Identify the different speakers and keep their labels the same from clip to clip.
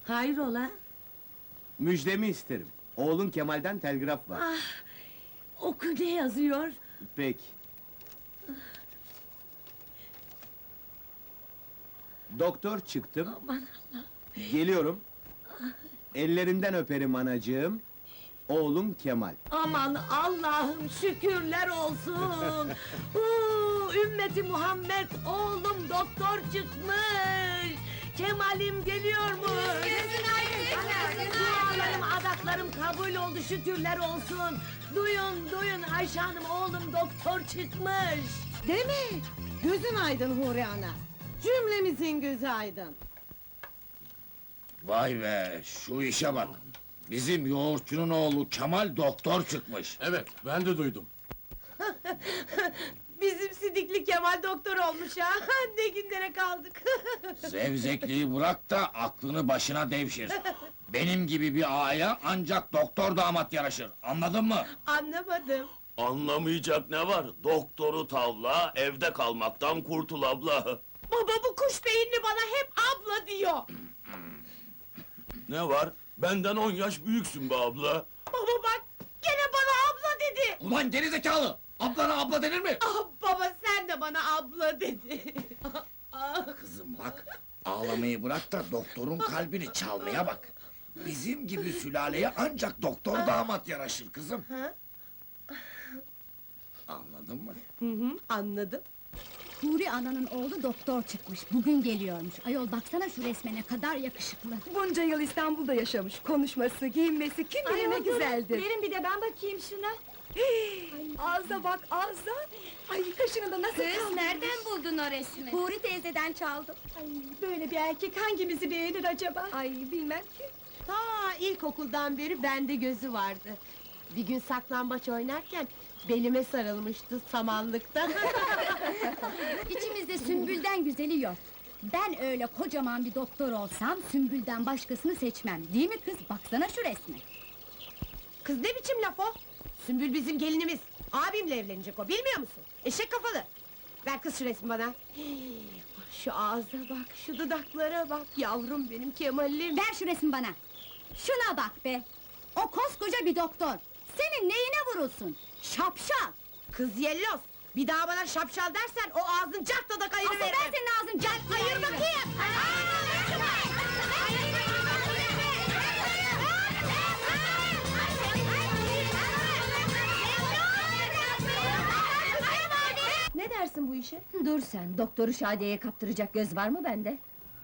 Speaker 1: Hayrola?
Speaker 2: Müjdemi isterim. Oğlun Kemal'den telgraf var.
Speaker 1: Oku, ne yazıyor?
Speaker 2: Peki. Doktor çıktım.
Speaker 1: Aman Allah!
Speaker 2: Geliyorum. Ellerinden öperim anacığım. Oğlum Kemal.
Speaker 1: Aman Allah'ım, şükürler olsun! Ümmeti Muhammed, oğlum doktor çıkmış! Kemal'im geliyormuş! Dualarım, adaklarım kabul oldu, şükürler olsun! Duyun, Ayşe Hanım, oğlum doktor çıkmış!
Speaker 3: Değil mi? Gözün aydın Huri ana. Cümlemizin gözü aydın.
Speaker 4: Vay be, şu işe bak! Bizim yoğurtçunun oğlu Kemal doktor çıkmış.
Speaker 5: Evet, ben de duydum.
Speaker 1: Bizim Sidikli Kemal doktor olmuş ha! Ne günlere kaldık!
Speaker 4: Zevzekliği bırak da aklını başına devşir. Benim gibi bir ağaya ancak doktor damat yaraşır, anladın mı?
Speaker 1: Anlamadım!
Speaker 6: Anlamayacak ne var? Doktoru tavla, evde kalmaktan kurtul abla.
Speaker 1: Baba, bu kuş beyinli bana hep abla diyor!
Speaker 6: Ne var? Benden 10 yaş büyüksün be abla.
Speaker 1: Baba bak, gene bana abla dedi!
Speaker 4: Ulan gerizekalı! Ablana abla denir mi?
Speaker 1: Ah baba, sen de bana abla dedi!
Speaker 4: Kızım bak, ağlamayı bırak da doktorun kalbini çalmaya bak. Bizim gibi sülaleye ancak doktor damat yaraşır kızım. Anladın mı?
Speaker 1: Anladım!
Speaker 7: Huri ananın oğlu doktor çıkmış, bugün geliyormuş. Ayol baksana şu resme, ne kadar yakışıklı.
Speaker 3: Bunca yıl İstanbul'da yaşamış. Konuşması, giyinmesi kim bilir ne güzeldir.
Speaker 7: Verin bir de ben bakayım şuna.
Speaker 3: Ağza bak, ağza! Ay, kaşını da nasıl
Speaker 7: Kız, nereden buldun o resmi? Huri teyzeden çaldım.
Speaker 3: Ay, böyle bir erkek hangimizi beğenir acaba? Ay, bilmem ki.
Speaker 1: Ta ilkokuldan beri bende gözü vardı. Bir gün saklambaç oynarken belime sarılmıştı samanlıkta.
Speaker 7: İçimizde Sümbül'den güzeli yok. Ben öyle kocaman bir doktor olsam, Sümbül'den başkasını seçmem. Değil mi kız? Baksana şu resme.
Speaker 1: Kız, ne biçim laf o? Sümbül bizim gelinimiz. Abimle evlenecek o, bilmiyor musun? Eşek kafalı! Ver kız şu resmi bana. Şu ağza bak, şu dudaklara bak, yavrum benim Kemal'im!
Speaker 7: Ver şu resmi bana! Şuna bak be! O koskoca bir doktor! Senin neyine vurulsun? Şapşal!
Speaker 1: Kız yellos! Bir daha bana şapşal dersen, o ağzın cartta da
Speaker 7: Asıl
Speaker 1: kayırıveririm!
Speaker 7: ben senin ağzını cart
Speaker 1: Hayır bakayım!
Speaker 3: Ne dersin bu işe?
Speaker 7: Dur sen, doktoru Şadiye'ye kaptıracak göz var mı bende?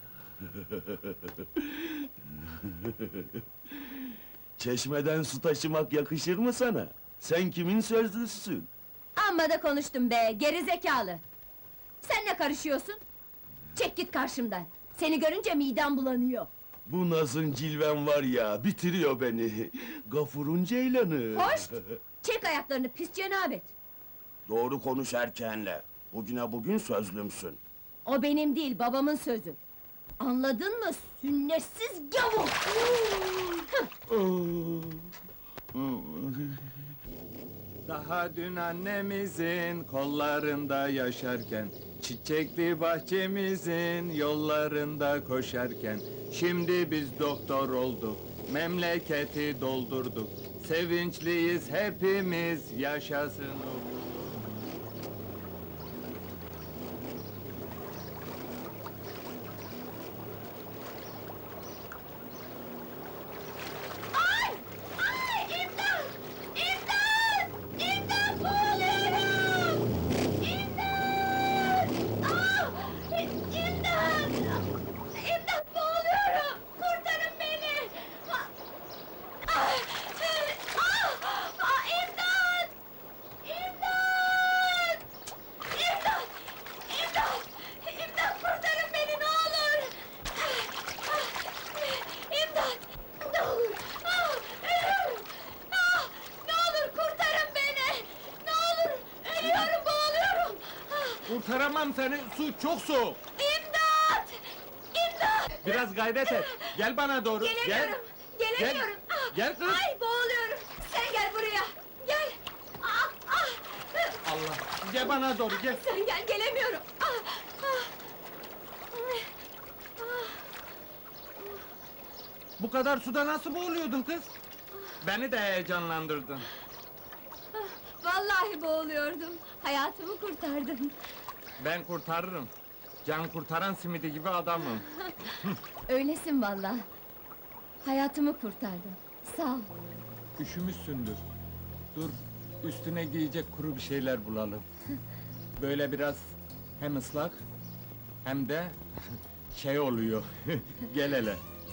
Speaker 6: Çeşmeden su taşımak yakışır mı sana? Sen kimin sözlüsün?
Speaker 7: Amma da konuştum be, gerizekalı! Sen ne karışıyorsun? Çek git karşımdan! Seni görünce midem bulanıyor!
Speaker 6: Bu nazın cilven var ya, bitiriyor beni. Gafurun ceylanı.
Speaker 7: Hoş! Çek ayaklarını, pis cenabet!
Speaker 6: Doğru konuş erkeğinle. Bugüne bugün sözlümsün.
Speaker 7: O benim değil, babamın sözü! Anladın mı, sünnetsiz gavur!
Speaker 8: Daha dün annemizin kollarında yaşarken, çiçekli bahçemizin yollarında koşarken, şimdi biz doktor olduk, memleketi doldurduk. Sevinçliyiz hepimiz, yaşasın o. Kurtaramam seni, su çok soğuk!
Speaker 7: İmdat! İmdat!
Speaker 8: Biraz gayret et, gel bana doğru,
Speaker 7: Gelemiyorum! Gelemiyorum! Ah!
Speaker 8: Gel kız!
Speaker 7: Ay boğuluyorum! Sen gel buraya! Gel! Ah! Ah!
Speaker 8: Allah, gel bana doğru, gel!
Speaker 7: Sen gel, gelemiyorum! Ah! Ah!
Speaker 8: Bu kadar suda nasıl boğuluyordun kız? Beni de heyecanlandırdın.
Speaker 7: Vallahi boğuluyordum. Hayatımı kurtardın.
Speaker 8: Ben kurtarırım. Can kurtaran simidi gibi adamım.
Speaker 7: Öylesin vallahi. Hayatımı kurtardın. Sağ ol.
Speaker 8: Üşümüşsündür. Dur, üstüne giyecek kuru bir şeyler bulalım. Böyle biraz hem ıslak hem de şey oluyor. Gel hele.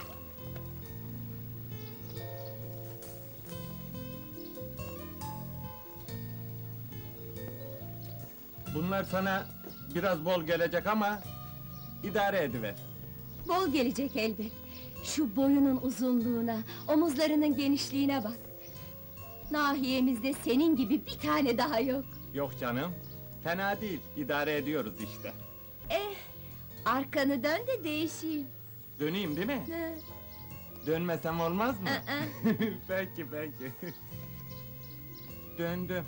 Speaker 8: Bunlar sana biraz bol gelecek ama idare ediver.
Speaker 7: Bol gelecek elbet. Şu boyunun uzunluğuna, omuzlarının genişliğine bak. Nahiyemizde senin gibi bir tane daha yok.
Speaker 8: Yok canım, fena değil, idare ediyoruz işte.
Speaker 7: Arkanı dön de değişeyim.
Speaker 8: Döneyim değil mi?
Speaker 7: Hı.
Speaker 8: Dönmesem olmaz mı?
Speaker 7: Aa.
Speaker 8: Peki, peki. Döndüm.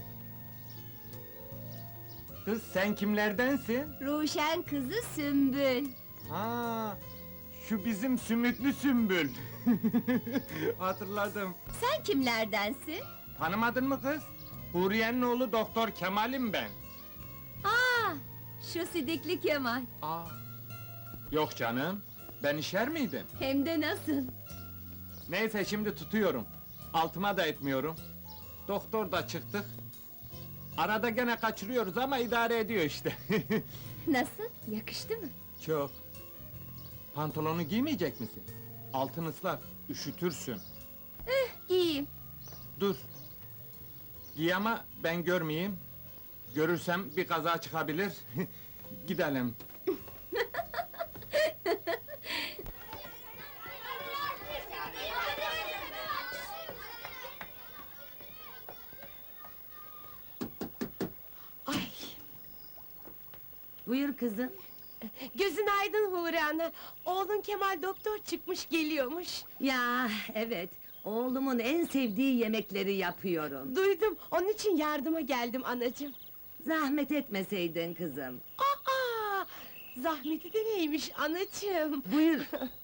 Speaker 8: Kız sen kimlerdensin?
Speaker 7: Ruşen kızı Sümbül.
Speaker 8: Ha, şu bizim sümüklü sümbül. Hatırladım.
Speaker 7: Sen kimlerdensin?
Speaker 8: Tanımadın mı kız? Huriye'nin oğlu Doktor Kemal'im ben.
Speaker 7: Aa, şu sidikli Kemal.
Speaker 8: Aa. Yok canım, ben işer miydim?
Speaker 7: Hem de nasıl?
Speaker 8: Neyse şimdi tutuyorum. Altıma da etmiyorum. Doktor da çıktık. Arada gene kaçırıyoruz ama idare ediyor işte.
Speaker 7: Nasıl? Yakıştı mı?
Speaker 8: Çok. Pantolonu giymeyecek misin? Altın ıslak, üşütürsün.
Speaker 7: Giyeyim.
Speaker 8: Dur. Giy ama ben görmeyeyim. Görürsem bir kaza çıkabilir. Gidelim.
Speaker 1: Ay,
Speaker 3: Buyur kızım.
Speaker 1: gözün aydın Huri Ana. Oğlun Kemal doktor çıkmış geliyormuş.
Speaker 3: Ya evet, oğlumun en sevdiği yemekleri yapıyorum.
Speaker 1: Duydum, onun için yardıma geldim anacığım.
Speaker 3: Zahmet etmeseydin kızım.
Speaker 1: Aa, zahmeti de neymiş anacığım?
Speaker 3: Buyur.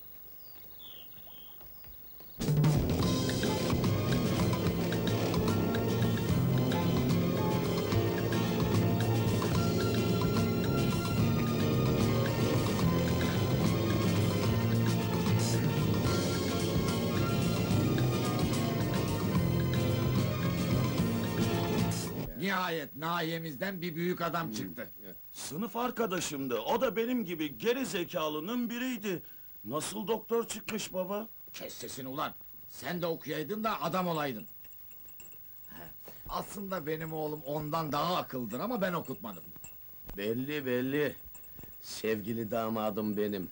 Speaker 4: Nihayet nahiyemizden bir büyük adam çıktı.
Speaker 6: Sınıf arkadaşımdı, o da benim gibi geri zekalının biriydi. Nasıl doktor çıkmış baba?
Speaker 4: Kes sesini ulan! Sen de okuyaydın da adam olaydın. He, aslında benim oğlum ondan daha akıllıdır ama ben okutmadım.
Speaker 2: Belli belli. Sevgili damadım benim.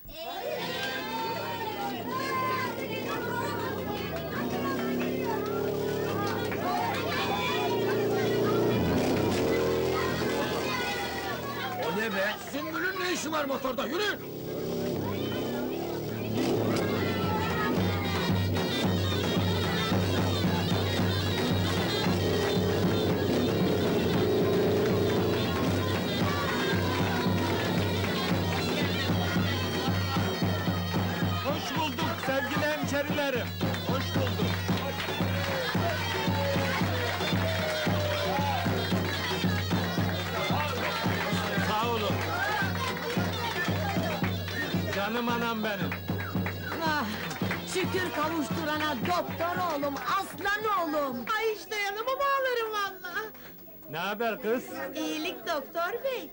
Speaker 4: O ne be? Sümbül'ün ne işi var motorda? Yürü!
Speaker 8: Hoş bulduk sevgili hemşerilerim. Hoş bulduk. Sağ olun. Canım anam benim.
Speaker 3: Ah, şükür kavuşturana doktor oğlum, aslan oğlum.
Speaker 1: Ay hiç dayanamam ağlarım valla.
Speaker 8: Ne haber kız?
Speaker 1: İyilik doktor bey.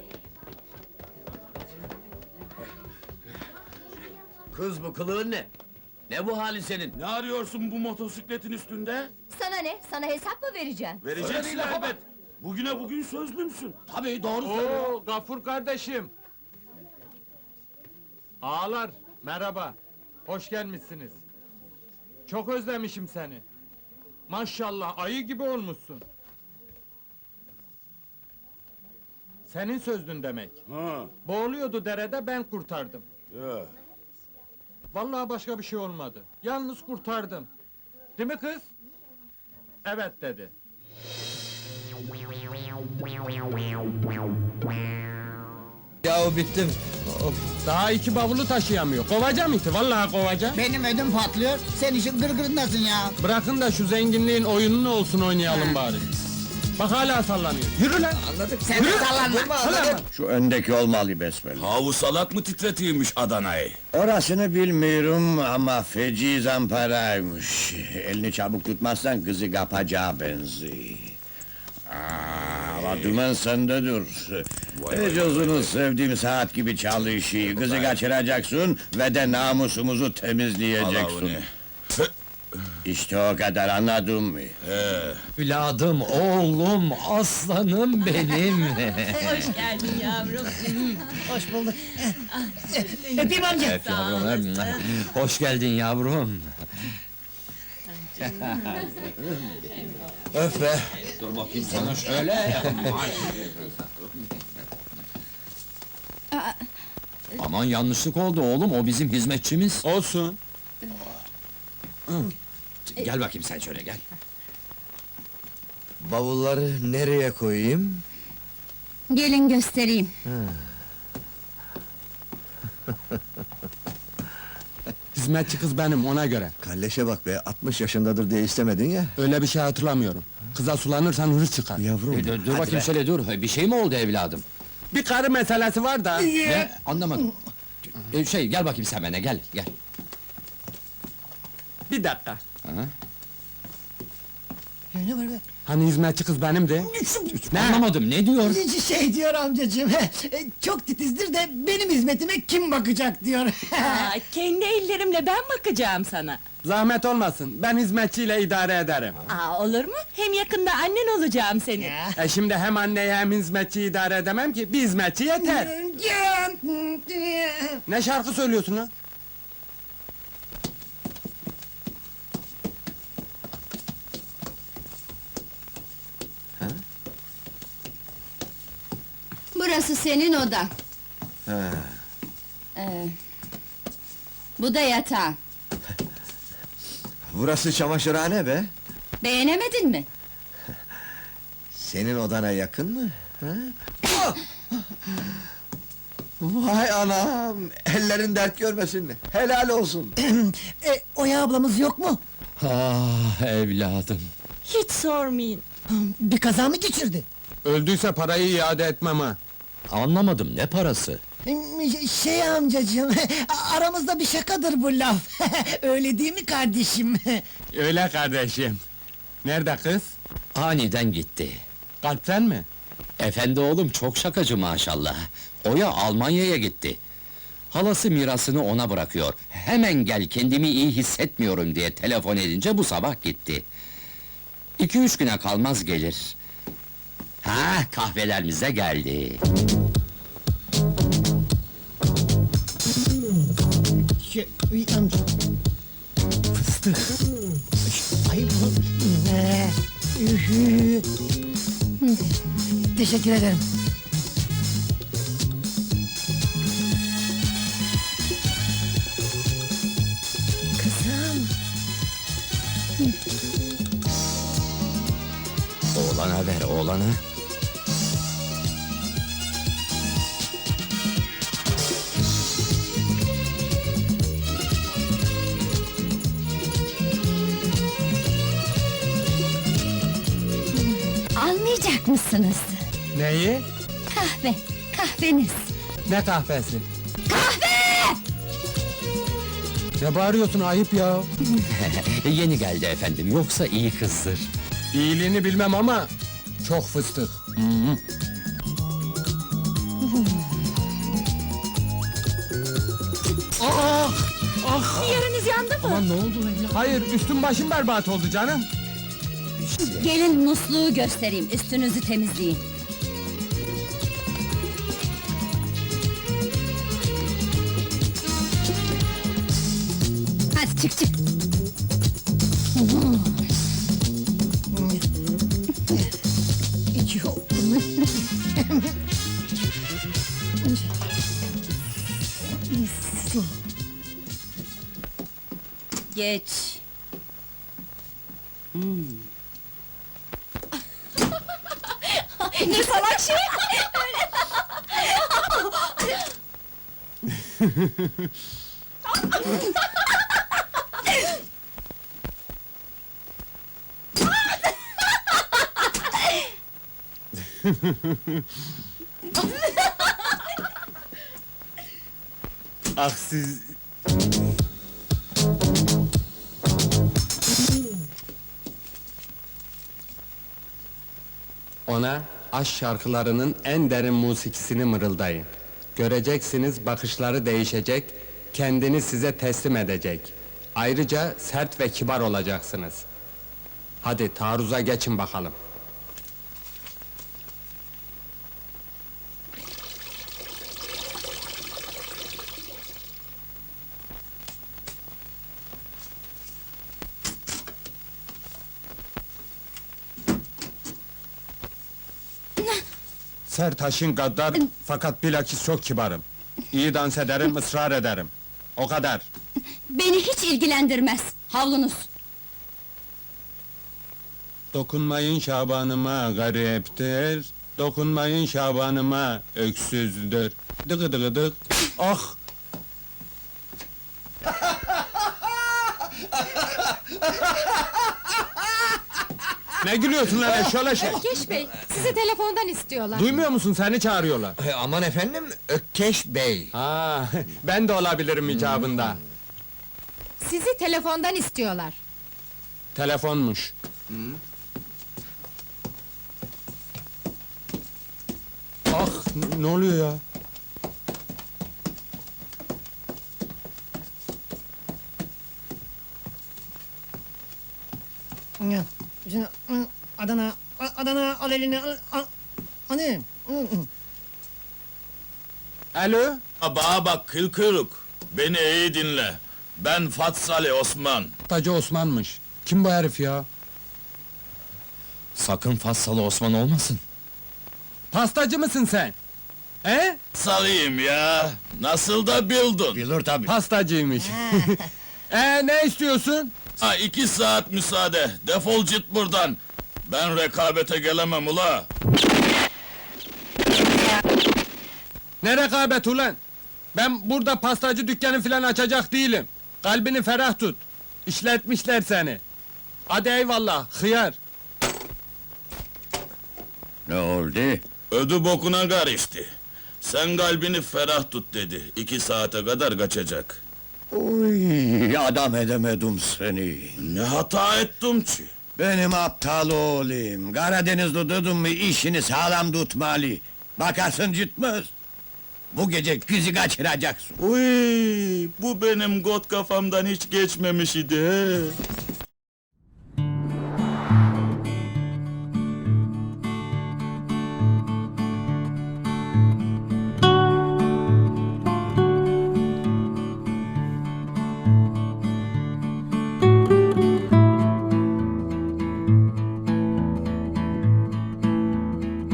Speaker 2: Kız bu kılığın ne? Ne bu hali senin?
Speaker 6: Ne arıyorsun bu motosikletin üstünde?
Speaker 7: Sana ne? Sana hesap mı vereceğim?
Speaker 6: Vereceksin
Speaker 4: Öyle değil ama.
Speaker 6: elbet. Bugüne bugün sözlümsün.
Speaker 4: Tabii doğru söylüyor.
Speaker 8: Oo, Gafur kardeşim. Ağalar, merhaba. Hoş gelmişsiniz. Çok özlemişim seni. Maşallah, ayı gibi olmuşsun. Senin sözdün demek.
Speaker 6: Ha,
Speaker 8: Boğuluyordu derede, ben kurtardım.
Speaker 6: ya.
Speaker 8: Vallahi başka bir şey olmadı. Yalnız kurtardım. Değil mi kız? Evet dedi.
Speaker 5: Ya bittim. Of.
Speaker 8: Daha 2 bavulu taşıyamıyor. Kovacağım iti, vallahi kovacağım.
Speaker 5: Benim ödüm patlıyor. Sen işin gırgırındasın ya.
Speaker 8: Bırakın da şu zenginliğin oyununu olsun oynayalım bari. Bak hala sallanıyor. Yürü lan!
Speaker 5: Anladık. Sen de sallanma.
Speaker 4: Şu öndeki olmalı besbelli.
Speaker 6: Havu salak mı titretiyormuş Adana'yı?
Speaker 4: Orasını bilmiyorum ama feci zamparaymış. Elini çabuk tutmazsan kızı kapacağı benziyor. Ama dümen sende dur. Ecozunu sevdiğim saat gibi çalışıyor. Kızı kaçıracaksın ve de namusumuzu temizleyeceksin. İşte o kadar, anladın mı?
Speaker 5: Evladım, oğlum, aslanım benim.
Speaker 9: Hoş geldin yavrum.
Speaker 5: Hoş bulduk. Öpeyim amca. Öp yavrum. Hoş geldin yavrum. Öp be. Dur bakayım sana şöyle. Aman yanlışlık oldu oğlum, o bizim hizmetçimiz.
Speaker 8: Olsun.
Speaker 5: Gel bakayım sen şöyle gel.
Speaker 10: Bavulları nereye koyayım?
Speaker 7: Gelin göstereyim.
Speaker 8: Hizmetçi kız benim, ona göre.
Speaker 10: Kalleşe bak be, 60 yaşındadır diye istemedin ya.
Speaker 8: Öyle bir şey hatırlamıyorum. Kıza sulanırsan hırs çıkar.
Speaker 10: Yavrum,
Speaker 5: Dur
Speaker 10: hadi
Speaker 5: bakayım
Speaker 10: be.
Speaker 5: şöyle dur, bir şey mi oldu evladım?
Speaker 8: Bir karı meselesi var da.
Speaker 5: Ne? Anlamadım. Gel bakayım sen bana, gel.
Speaker 8: Bir dakika.
Speaker 3: Ne var be?
Speaker 8: Hani hizmetçi kız benimdi? Ne?
Speaker 5: Anlamadım, ne diyor?
Speaker 3: Şey diyor amcacığım, çok titizdir de benim hizmetime kim bakacak diyor.
Speaker 9: Aa, kendi ellerimle ben bakacağım sana.
Speaker 8: Zahmet olmasın, ben hizmetçiyle idare ederim.
Speaker 9: Aa, olur mu? Hem yakında annen olacağım senin.
Speaker 8: Şimdi hem anneyi hem hizmetçiyi idare edemem ki, bir hizmetçi yeter. Ne şarkı söylüyorsun lan?
Speaker 7: Burası senin odan.
Speaker 10: Ha.
Speaker 7: Bu da yatağın.
Speaker 10: Burası çamaşırhane be.
Speaker 7: Beğenemedin mi?
Speaker 10: Senin odana yakın mı? Ha? Vay anam! Ellerin dert görmesin mi? Helal olsun!
Speaker 3: Oya ablamız yok mu?
Speaker 5: Ah evladım.
Speaker 9: Hiç sormayın.
Speaker 3: Bir kaza mı geçirdi?
Speaker 8: Öldüyse parayı iade etmem ha.
Speaker 5: Anlamadım, ne parası?
Speaker 3: Şey amcacığım, aramızda bir şakadır bu laf. Öyle değil mi kardeşim?
Speaker 8: Öyle kardeşim. Nerede kız?
Speaker 5: Aniden gitti.
Speaker 8: Kalpten mi?
Speaker 5: Efendi oğlum çok şakacı maşallah. Oya Almanya'ya gitti. Halası mirasını ona bırakıyor. Hemen gel, kendimi iyi hissetmiyorum diye telefon edince bu sabah gitti. 2-3 güne kalmaz gelir. Ha, kahvelerimize geldi.
Speaker 3: Amca. Fıstık. Ay bu... Teşekkür ederim. Kızım.
Speaker 5: Oğlana ver, oğlana.
Speaker 7: Almayacak mısınız?
Speaker 8: Neyi?
Speaker 7: Kahveniz.
Speaker 8: Ne kahvesi?
Speaker 7: Kahve!
Speaker 8: Ne bağırıyorsun, ayıp ya.
Speaker 5: Yeni geldi efendim, yoksa iyi kızdır.
Speaker 8: İyiliğini bilmem ama çok fıstık.
Speaker 9: Yeriniz yandı mı?
Speaker 5: Aman ne oldu evladım?
Speaker 8: Hayır, üstüm başım berbat oldu canım.
Speaker 7: Gelin musluğu göstereyim, üstünüzü temizleyin. Hadi çık. Geç. Ne salak şey!
Speaker 8: Ah siz... Ona aşk şarkılarının en derin musikisini mırıldayın. Göreceksiniz bakışları değişecek, kendini size teslim edecek. Ayrıca sert ve kibar olacaksınız. Hadi taarruza geçin bakalım. Sertaş'ın gaddar fakat bilakis çok kibarım. İyi dans ederim, ısrar ederim. O kadar.
Speaker 7: Beni hiç ilgilendirmez. Havlunuz.
Speaker 8: Dokunmayın Şabanıma gariptir. Dokunmayın Şabanıma öksüzdür. Dıgı dıgı dık. Ah! Ne gülüyorsun lan eşşoğlu eşek?
Speaker 9: Ökkeş Bey, sizi telefondan istiyorlar.
Speaker 8: Duymuyor musun, seni çağırıyorlar.
Speaker 10: Aman efendim, Ökkeş Bey.
Speaker 8: Ha, ben de olabilirim icabında.
Speaker 9: Sizi telefondan istiyorlar.
Speaker 8: Telefonmuş. Ah, ne oluyor ya?
Speaker 3: Şimdi, Adana al elini al. Hani?
Speaker 8: Alo?
Speaker 6: Bana bak kıl kuyruk. Beni iyi dinle. Ben Fatsali Osman.
Speaker 8: Tacı Osman'mış. Kim bu herif ya?
Speaker 5: Sakın Fassalı Osman olmasın.
Speaker 8: Pastacı mısın sen? He?
Speaker 6: Salıyım ya. Nasıl da bildin?
Speaker 10: Bilir tabii.
Speaker 8: Pastacıymış. Ne istiyorsun?
Speaker 6: 2 saat müsaade. Defol git buradan. Ben rekabete gelemem ula.
Speaker 8: Ne rekabet ulan? Ben burada pastacı dükkanı filan açacak değilim. Kalbini ferah tut. İşletmişler seni. Hadi eyvallah, hıyar.
Speaker 10: Ne oldu?
Speaker 6: Ödü bokuna karıştı. Sen kalbini ferah tut dedi. 2 saate kadar kaçacak.
Speaker 10: Uy, adam edemedim seni.
Speaker 6: Ne hata ettim ki?
Speaker 10: Benim aptal oğlum. Karadenizli dedim mi işini sağlam tutmalı. Bakarsın gitmez. Bu gece kızı kaçıracaksın.
Speaker 6: Uy, bu benim got kafamdan hiç geçmemiş idi. He.